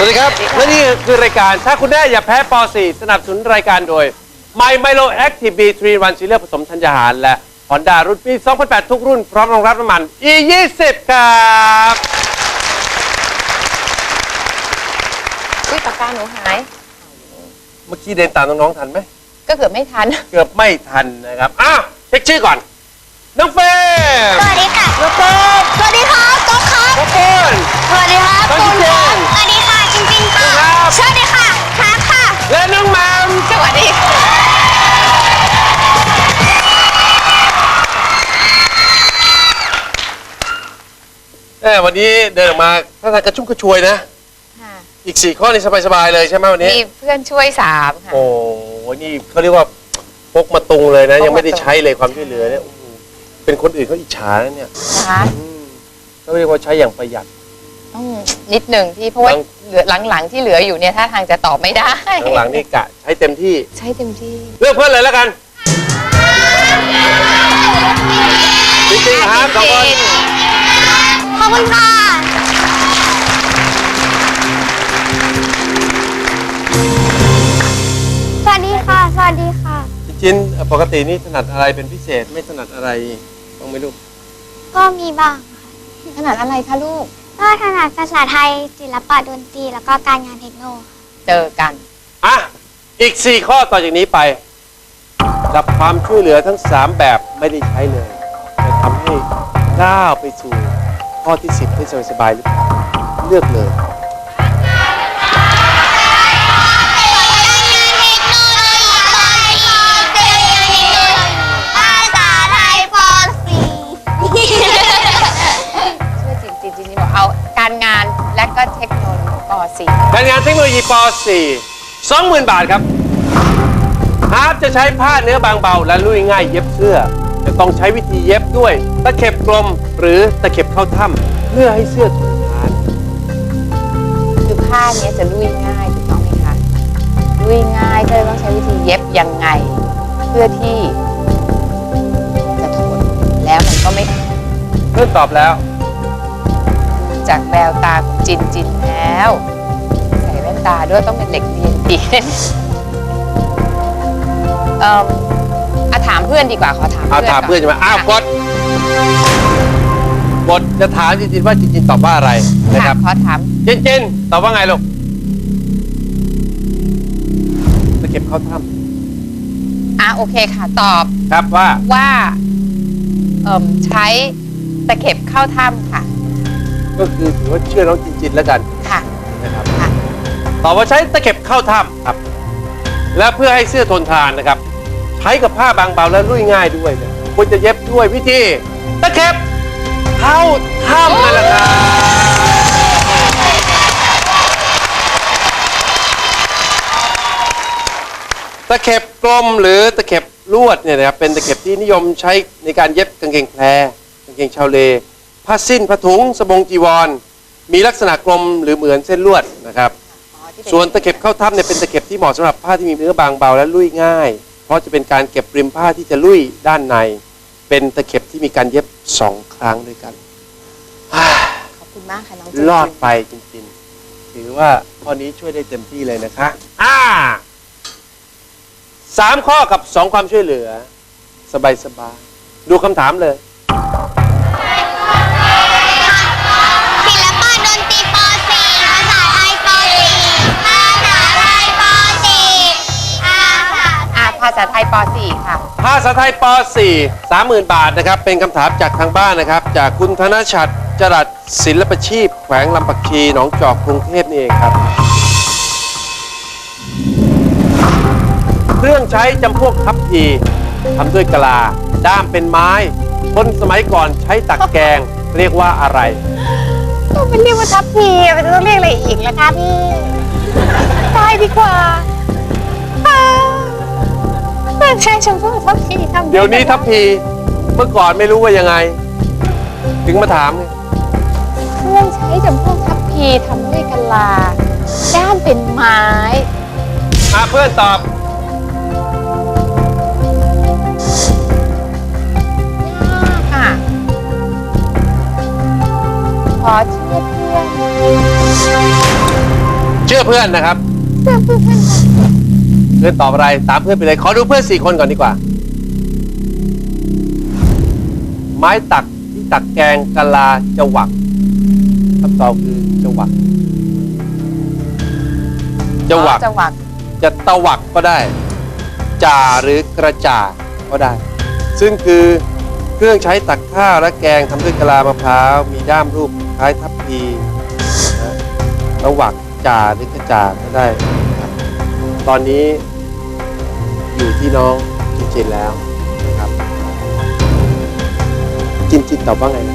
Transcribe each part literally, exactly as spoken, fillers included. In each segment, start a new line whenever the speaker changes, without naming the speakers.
วัสดีครับและนี่คือรายการถ้าคุณแม่อย่าแพ้ป .สี่ สนับสนุนรายการโดย My Milo Active บี ทรี วัน ซีเรียลผสมธัญญาหารและ Honda รุ่นปี สองพันแปด ทุกรุ่นพร้อมรองรับน้ำมัน อี ยี่สิบ ครับ
อุ้ยปากกาหนูหาย
เมื่อกี้เดินตามน้องๆทันไหม
ก็เกือบไม่ทัน
เกือบไม่ทันนะครับอ้าวเช็คชื่อก่อนน้องเฟม
สวัสดีค่ะ
น้องป๊บ
สวัสดีครับก๊อฟครับ
น้องปุ้น
สวัสดีครับ
น้องจิน
สวัสดีค่ะจินจินค่ะสวัสดีค่ะครับค่ะ
และน้องแมม
สวัสดี
เออวันนี้เดินออกมาท่าทางกระชุ่มกระชวยนะอีกสี่ข้อนี่สบายๆเลยใช่ไหมวันนี้
มีเพื่อนช่วยสามค่ะ
โอ้นี่เขาเรียกว่าพกมาตุงเลยนะยังไม่ได้ใช้เลยความช่วยเหลือเนี่ยเป็นคนอื่นเขาอิจฉานะเนี่ย
นะคะ
เขาเรียกว่าใช้อย่างประหยัด
นิดหนึ่งที่เพราะว่าเหลือหลังๆที่เหลืออยู่เนี่ยถ้าทางจะตอบไม่ได้
หลังๆนี่กะใช้เต็มที่
ใช้เต็มที่
เลือกเพื่อนเลยแล้วกันจริงๆครับสองคน
ขอบคุณค่ะสวัสดีค่ะสวัสดีค่ะ
จริงๆปกตินี่ถนัดอะไรเป็นพิเศษไม่ถนัดอะไรบ้างไหมลูก
ก็มีบ้าง
ค่ะถนัดอะไรคะลูก
ก็ถนัดภาษาไทยศิลปะดนตรีแล้วก็การงานเทคโนโลยี
เจอกัน
อ่ะอีกสี่ข้อต่อจากนี้ไปกับความช่วยเหลือทั้งสามแบบไม่ได้ใช้เลยจะทำให้ก้าวไปสู่ข้อที่สิบได้สบายๆหรือเปล่าเลือกเลย
การงานและก็เทคโนโลยีป .สี่
การงานเทคโนโลยีป .สี่ สองหมื่น บาทครับฮาร์ปจะใช้ผ้าเนื้อบางเบาและลุยง่ายเย็บเสื้อจะต้องใช้วิธีเย็บด้วยตะเข็บกลมหรือตะเข็บเข้าถ้ำเพื่อให้เสื้อทนทาน
คือผ้านี้จะลุยง่ายถูกต้องไหมคะลุยง่ายก็เลยต้องใช้วิธีเย็บยังไงเพื่อที่จะทนแล้วมันก็ไม่
เพื่อนตอบแล้ว
จากแววตาของจินจินแล้วใส่แว่นตาด้วยต้องเป็นเด็กเรียนดีเอ่ออาถามเพื่อนดีกว่าขอถาม
เพื่อนถามเพื่อนใช่ไหมอ้าวกดกดจะถามจินจินว่าจินจินตอบว่าอะไรนะครับ
ขอถาม
จินจินตอบว่าไงลูกตะเข็บเข้าถ้
ำอ่ะโอเคค่ะตอบ
ครับว่า
ว่าเอ่อใช้ตะเข็บเข้าถ้ำค่ะ
ก็คือถือว่าเชื่อน้องจินจินแล้วกัน
ค่ะ
นะครับตอบว่าใช้ตะเข็บเข้าถ้ำครับและเพื่อให้เสื้อทนทานนะครับใช้กับผ้าบางเบาและลุยง่ายด้วยเนี่ยควรจะเย็บด้วยวิธีตะเข็บเข้าถ้ำนั่นแหละครับตะเข็บกลมหรือตะเข็บลวดเนี่ยนะครับเป็นตะเข็บที่นิยมใช้ในการเย็บกางเกงแพรกางเกงชาวเลผ้าสิ้นผ้าถุงสบงจีวรมีลักษณะกลมหรือเหมือนเส้นลวดนะครับส่วนตะเข็บเข้าถ้ำเนี่ยเป็นตะเข็บที่เหมาะสำหรับผ้าที่มีเนื้อบางเบาและลุยง่ายเพราะจะเป็นการเก็บริมผ้าที่จะลุยด้านในเป็นตะเข็บที่มีการเย็บสองครั้งด้วยกัน
ขอบคุณมากค่ะน้อง
รอดไปจริงๆถือว่าข้อนี้ช่วยได้เต็มที่เลยนะคะอ่าสามข้อกับสองความช่วยเหลือสบายๆดูคำถามเลย
ภาษาไทยป .สี่ ค่ะ
ภาษาไทยป .สี่ สามหมื่น บาทนะครับเป็นคำถามจากทางบ้านนะครับจากคุณธนชัดจรัสศิลปชีพแขวงลำปักชีหนองจอกกรุงเทพนี่เองครับเครื่องใช้จำพวกทัพพีทำด้วยกะลาด้ามเป็นไม้คนสมัยก่อนใช้ตักแกงเรียกว่าอะไร
ต้องเป็นเรียกว่าทัพพีมันจะต้องเรียกอะไรอีกล่ะคะพี่ตายดีกว่าใช่ชมพู่ทัพพีทำ
เดี๋ยวนี้ทัพพีเมื่อก่อนไม่รู้ว่ายังไงถึงมาถาม
เครื่องใช้จำพวกทัพพีทำด้วยกะลาด้ามเป็นไม้
อ่ะเพื่อนตอบ
ค่ะขอเชื่อเพื่อน
ชื่อเพื่อนนะครับ
เพื่อนเพื่อนเพื่อนค่ะ
เพื่อนตอบอะไรตามเพื่อนไปเลยขอดูเพื่อนสี่คนก่อนดีกว่า ไม้ตักที่ตักแกงกะลาจะหวักคำตอบคือจะหวักจะหวัก
จังหวัด
จะตะหวักก็ได้จ่าหรือกระจ่าก็ได้ ซึ่งคือเครื่องใช้ตักข้าวและแกงทำด้วยกะลามะพร้าวมีด้ามรูปคล้ายทับพีนะตะหวักจ่าหรือกระจ่าก็ได้นะครับตอนนี้อยู่ที่น้องจินจินแล้วนะครับจินจินตอบว่าไงนะ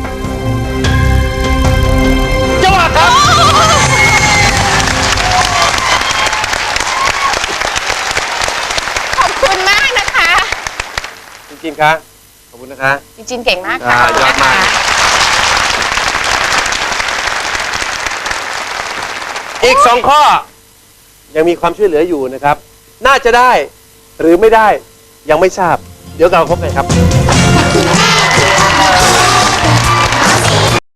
จังหวัดครับ
ขอบคุณมากนะคะ
จริงๆครับขอบคุณนะคะ
จริงๆเก่งมากค่ะ
อ่ายอดมาก อีกสองข้อ ยังมีความช่วยเหลืออยู่นะครับ น่าจะได้หรือไม่ได้ยังไม่ทราบ เดี๋ยวเราพบกันครับ